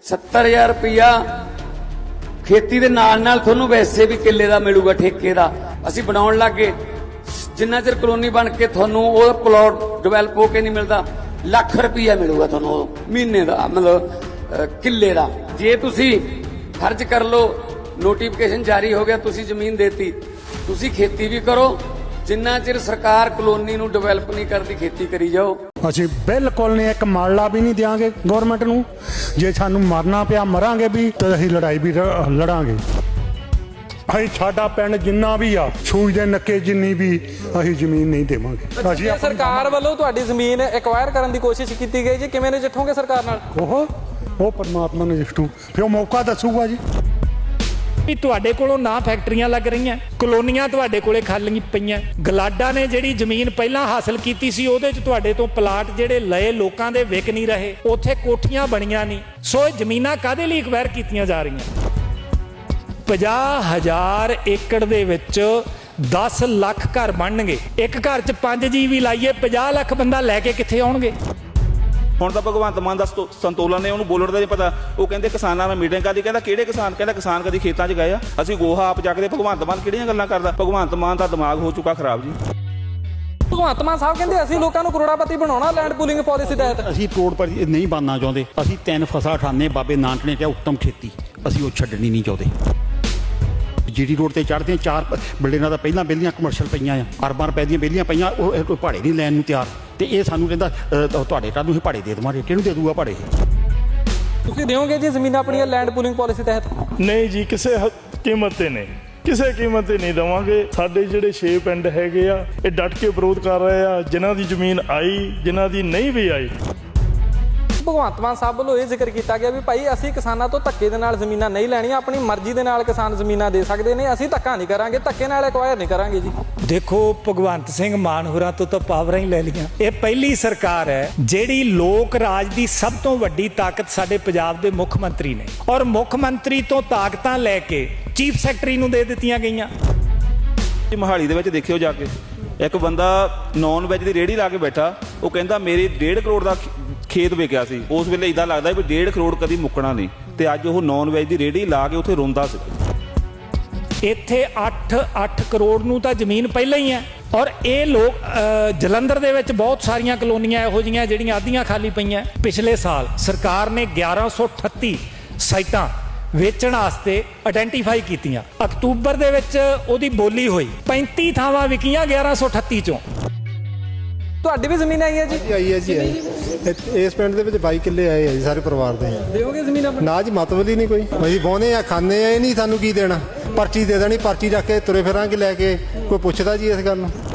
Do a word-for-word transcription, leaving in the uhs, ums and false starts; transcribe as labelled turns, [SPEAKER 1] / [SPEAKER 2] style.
[SPEAKER 1] सत्तर हज़ार रुपया खेती दे नाल नाल तुहानूं वैसे भी किले दा मिलूगा ठेके दा। असीं बनाउण लग गए जिन्ना चिर कलोनी बन के तुहानूं ओह प्लॉट डिवेलप हो के नहीं मिलता लख रुपया मिलूगा तुहानूं महीने दा मतलब किले दा। जे तुसीं फर्ज कर लो नोटिफिकेशन जारी हो गया तुसीं जमीन देती तुसीं खेती भी करो जिन्ना चिर सरकार कलोनी नूं डिवेलप नहीं करती खेती करी जाओ।
[SPEAKER 2] ਅਸੀਂ ਬਿਲਕੁਲ ਨਹੀਂ ਇੱਕ ਮਾਲਾ ਵੀ ਨਹੀਂ ਦਿਆਂਗੇ ਗਵਰਨਮੈਂਟ ਨੂੰ। ਜੇ ਸਾਨੂੰ ਮਰਨਾ ਪਿਆ ਮਰਾਂਗੇ ਵੀ ਤੇ ਅਸੀਂ ਲੜਾਈ ਵੀ ਲੜਾਂਗੇ। ਅਸੀਂ ਸਾਡਾ ਪਿੰਡ ਜਿੰਨਾ ਵੀ ਆ ਸੂਈ ਦੇ ਨੱਕੇ ਜਿੰਨੀ ਵੀ ਅਸੀਂ ਜ਼ਮੀਨ ਨਹੀਂ ਦੇਵਾਂਗੇ। ਅਸੀਂ
[SPEAKER 3] ਸਰਕਾਰ ਵੱਲੋਂ ਤੁਹਾਡੀ ਜ਼ਮੀਨ ਐਕਵਾਇਰ ਕਰਨ ਦੀ ਕੋਸ਼ਿਸ਼ ਕੀਤੀ ਗਈ ਜੀ, ਕਿਵੇਂ ਨਜਿੱਠੋਗੇ ਸਰਕਾਰ ਨਾਲ?
[SPEAKER 2] ਉਹ ਉਹ ਪਰਮਾਤਮਾ ਨੇ ਜਿੱਟੂ ਫਿਰ ਮੌਕਾ ਦੱਸੂਗਾ ਜੀ।
[SPEAKER 4] ਵੀ ਤੁਹਾਡੇ ਕੋਲੋਂ ਨਾ ਫੈਕਟਰੀਆਂ ਲੱਗ ਰਹੀਆਂ, ਕਲੋਨੀਆਂ ਤੁਹਾਡੇ ਕੋਲੇ ਖਾਲੀ ਪਈਆਂ। ਗਲਾਡਾ ਨੇ ਜਿਹੜੀ ਜ਼ਮੀਨ ਪਹਿਲਾਂ ਹਾਸਲ ਕੀਤੀ ਸੀ ਉਹਦੇ 'ਚ ਤੁਹਾਡੇ ਤੋਂ ਪਲਾਟ ਜਿਹੜੇ ਲਏ ਲੋਕਾਂ ਦੇ ਵਿਕ ਨਹੀਂ ਰਹੇ, ਉੱਥੇ ਕੋਠੀਆਂ ਬਣੀਆਂ ਨਹੀਂ। ਸੋ ਇਹ ਜ਼ਮੀਨਾਂ ਕਾਹਦੇ ਲਈ ਐਕਵਾਇਰ ਕੀਤੀਆਂ ਜਾ ਰਹੀਆਂ? ਪੰਜਾਹ ਹਜ਼ਾਰ ਏਕੜ ਦੇ ਵਿੱਚ ਦਸ ਲੱਖ ਘਰ ਬਣਨਗੇ। ਇੱਕ ਘਰ 'ਚ ਪੰਜ ਜੀ ਵੀ ਲਾਈਏ ਪੰਜਾਹ ਲੱਖ ਬੰਦਾ ਲੈ ਕੇ ਕਿੱਥੇ ਆਉਣਗੇ?
[SPEAKER 5] ਹੁਣ ਤਾਂ ਭਗਵੰਤ ਮਾਨ ਦਾ ਸੰਤੋਲਨ ਨੇ ਉਹਨੂੰ ਬੋਲਣ ਦਾ ਨਹੀਂ ਪਤਾ। ਉਹ ਕਹਿੰਦੇ ਕਿਸਾਨਾਂ ਨਾਲ ਮੀਟਿੰਗ ਕਰਦੀ, ਕਹਿੰਦਾ ਕਿਹੜੇ ਕਿਸਾਨ? ਕਹਿੰਦਾ ਕਿਸਾਨ ਕਦੀ ਖੇਤਾਂ 'ਚ ਗਏ ਆ? ਅਸੀਂ ਗੋਹਾ ਆਪ ਚੱਕਦੇ। ਭਗਵੰਤ ਮਾਨ ਕਿਹੜੀਆਂ ਗੱਲਾਂ ਕਰਦਾ? ਭਗਵੰਤ ਮਾਨ ਦਾ ਦਿਮਾਗ ਹੋ ਚੁੱਕਾ ਖਰਾਬ ਜੀ।
[SPEAKER 3] ਭਗਵੰਤ ਮਾਨ ਸਾਹਿਬ ਕਹਿੰਦੇ ਅਸੀਂ ਲੋਕਾਂ ਨੂੰ ਕਰੋੜਾਪਤੀ ਬਣਾਉਣਾ ਲੈਂਡ ਪੂਲਿੰਗ ਪਾਲਿਸੀ ਤਹਿਤ।
[SPEAKER 6] ਅਸੀਂ ਕਰੋੜਪਤੀ ਨਹੀਂ ਬਣਨਾ ਚਾਹੁੰਦੇ। ਅਸੀਂ ਤਿੰਨ ਫਸਲਾਂ ਖਾਨੇ ਬਾਬੇ ਨਾਨਕ ਨੇ ਕਿਹਾ ਉੱਤਮ ਖੇਤੀ, ਅਸੀਂ ਉਹ ਛੱਡਣੀ ਨਹੀਂ ਚਾਹੁੰਦੇ। ਜੀਡੀ ਰੋਡ ਤੇ ਚੜ੍ਹਦੇ ਚਾਰ ਬਿਲਡਿੰਗਾਂ ਦਾ ਪਹਿਲਾਂ ਪਹਿਲੀਆਂ ਕਮਰਸ਼ੀਅਲ ਪਈਆਂ ਆ, ਅਰਬਾਂ ਰੁਪਏ ਦੀਆਂ ਪਹਿਲੀਆਂ ਪਈਆਂ, ਉਹ ਕੋਈ ਭਾੜੇ ਨਹੀਂ ਲੈਣ ਨੂੰ ਤਿਆਰ। ਤੇ ਇਹ ਸਾਨੂੰ ਕਹਿੰਦਾ ਤੁਹਾਡੇ ਕੱਲ੍ਹ ਨੂੰ ਅਸੀਂ ਭਾੜੇ ਦੇ ਦੇਵਾਂਗੇ। ਕਿਹਨੂੰ ਦੇ ਦੂਗਾ ਭਾੜੇ?
[SPEAKER 3] ਤੁਸੀਂ ਦਿਓਗੇ ਜੀ ਜ਼ਮੀਨਾਂ ਆਪਣੀਆਂ ਲੈਂਡ ਪੂਲਿੰਗ ਪਾਲਿਸੀ ਤਹਿਤ?
[SPEAKER 7] ਨਹੀਂ ਜੀ, ਕਿਸੇ ਕੀਮਤ ਤੇ ਨਹੀਂ, ਕਿਸੇ ਕੀਮਤ ਤੇ ਨਹੀਂ ਦੇਵਾਂਗੇ। ਸਾਡੇ ਜਿਹੜੇ ਛੇ ਪਿੰਡ ਹੈਗੇ ਆ ਇਹ ਡਟ ਕੇ ਵਿਰੋਧ ਕਰ ਰਹੇ ਆ। ਜਿਨ੍ਹਾਂ ਦੀ ਜ਼ਮੀਨ ਆਈ, ਜਿਨ੍ਹਾਂ ਦੀ ਨਹੀਂ ਵੀ ਆਈ।
[SPEAKER 3] ਭਗਵੰਤ ਮਾਨ ਸਾਹਿਬ ਵੱਲੋਂ ਇਹ ਜ਼ਿਕਰ ਕੀਤਾ ਗਿਆ ਵੀ ਭਾਈ ਅਸੀਂ ਕਿਸਾਨਾਂ ਤੋਂ ਧੱਕੇ ਦੇ ਨਾਲ ਜ਼ਮੀਨਾਂ ਨਹੀਂ ਲੈਣੀਆਂ, ਆਪਣੀ ਮਰਜ਼ੀ ਦੇ ਨਾਲ ਕਿਸਾਨ ਜ਼ਮੀਨਾਂ ਦੇ ਸਕਦੇ ਨੇ, ਅਸੀਂ ਧੱਕਾ ਨਹੀਂ ਕਰਾਂਗੇ, ਧੱਕੇ ਨਾਲ ਐਕਵਾਇਰ ਨਹੀਂ ਕਰਾਂਗੇ ਜੀ।
[SPEAKER 4] ਦੇਖੋ ਭਗਵੰਤ ਸਿੰਘ ਮਾਨ ਹੋਰਾਂ ਤੋਂ ਤਾਂ ਪਾਵਰਾਂ ਹੀ ਲੈ ਲਈਆਂ। ਇਹ ਪਹਿਲੀ ਸਰਕਾਰ ਹੈ ਜਿਹੜੀ ਲੋਕ ਰਾਜ ਦੀ ਸਭ ਤੋਂ ਵੱਡੀ ਤਾਕਤ ਸਾਡੇ ਪੰਜਾਬ ਦੇ ਮੁੱਖ ਮੰਤਰੀ ਨੇ, ਔਰ ਮੁੱਖ ਮੰਤਰੀ ਤੋਂ ਤਾਕਤਾਂ ਲੈ ਕੇ ਚੀਫ ਸੈਕਟਰੀ ਨੂੰ ਦੇ ਦਿੱਤੀਆਂ ਗਈਆਂ।
[SPEAKER 5] ਮੋਹਾਲੀ ਦੇ ਵਿੱਚ ਦੇਖਿਓ ਜਾ ਕੇ, ਇੱਕ ਬੰਦਾ ਨੌਨ ਵੈਜ ਦੀ ਰੇਹੜੀ ਲਾ ਕੇ ਬੈਠਾ, ਉਹ ਕਹਿੰਦਾ ਮੇਰੀ ਡੇਢ ਕਰੋੜ ਦਾ ਖੇਤ ਵਿਕਿਆ ਸੀ। ਉਸ ਵੇਲੇ ਇਦਾਂ ਲੱਗਦਾ ਵੀ ਡੇਢ ਕਰੋੜ ਕਦੀ ਮੁੱਕਣਾ ਨਹੀਂ, ਤੇ ਅੱਜ ਉਹ ਨੌਨ ਵੈਜ ਦੀ ਰੇਹੜੀ ਲਾ ਕੇ ਉੱਥੇ ਰੋਂਦਾ ਸੀ।
[SPEAKER 4] ਇੱਥੇ ਅੱਠ ਅੱਠ ਕਰੋੜ ਨੂੰ ਤਾਂ ਜ਼ਮੀਨ ਪਹਿਲਾਂ ਹੀ ਹੈ, ਔਰ ਇਹ ਲੋਕ ਜਲੰਧਰ ਦੇ ਵਿੱਚ ਬਹੁਤ ਸਾਰੀਆਂ ਕਲੋਨੀਆਂ ਇਹੋ ਜਿਹੀਆਂ ਜਿਹੜੀਆਂ ਅੱਧੀਆਂ ਖਾਲੀ ਪਈਆਂ। ਪਿਛਲੇ ਸਾਲ ਸਰਕਾਰ ਨੇ ਗਿਆਰਾਂ ਸੌ ਅਠੱਤੀ ਸਾਈਟਾਂ ਵੇਚਣ ਵਾਸਤੇ ਆਇਡੈਂਟੀਫਾਈ ਕੀਤੀਆਂ। ਅਕਤੂਬਰ ਦੇ ਵਿੱਚ ਉਹਦੀ ਬੋਲੀ ਹੋਈ, ਪੈਂਤੀ ਥਾਵਾਂ ਵਿਕੀਆਂ ਗਿਆਰਾਂ ਸੌ ਅਠੱਤੀ ਚੋਂ।
[SPEAKER 3] ਤੁਹਾਡੀ ਵੀ ਜ਼ਮੀਨ ਆਈ ਹੈ ਜੀ?
[SPEAKER 8] ਆਈ ਹੈ ਜੀ, ਇਸ ਪਿੰਡ ਦੇ ਵਿੱਚ ਬਾਈ ਕਿੱਲੇ ਆਏ ਆ ਜੀ ਸਾਰੇ ਪਰਿਵਾਰ ਦੇ।
[SPEAKER 3] ਦਿਓਗੇ ਜ਼ਮੀਨ ਆਪਣੀ? ਨਾ
[SPEAKER 8] ਜੀ, ਮਤਲਬ ਹੀ ਨਹੀਂ ਕੋਈ। ਅਸੀਂ ਬੋਨੇ ਆ, ਖਾਂਦੇ ਆ, ਇਹ ਨਹੀਂ ਸਾਨੂੰ ਕੀ ਦੇਣਾ। ਪਰਚੀ ਦੇ ਦੇਣੀ, ਪਰਚੀ ਰੱਖ ਕੇ ਤੁਰੇ ਫਿਰਾਂਗੇ ਲੈ ਕੇ। ਕੋਈ ਪੁੱਛਦਾ ਜੀ ਇਸ ਗੱਲ ਨੂੰ?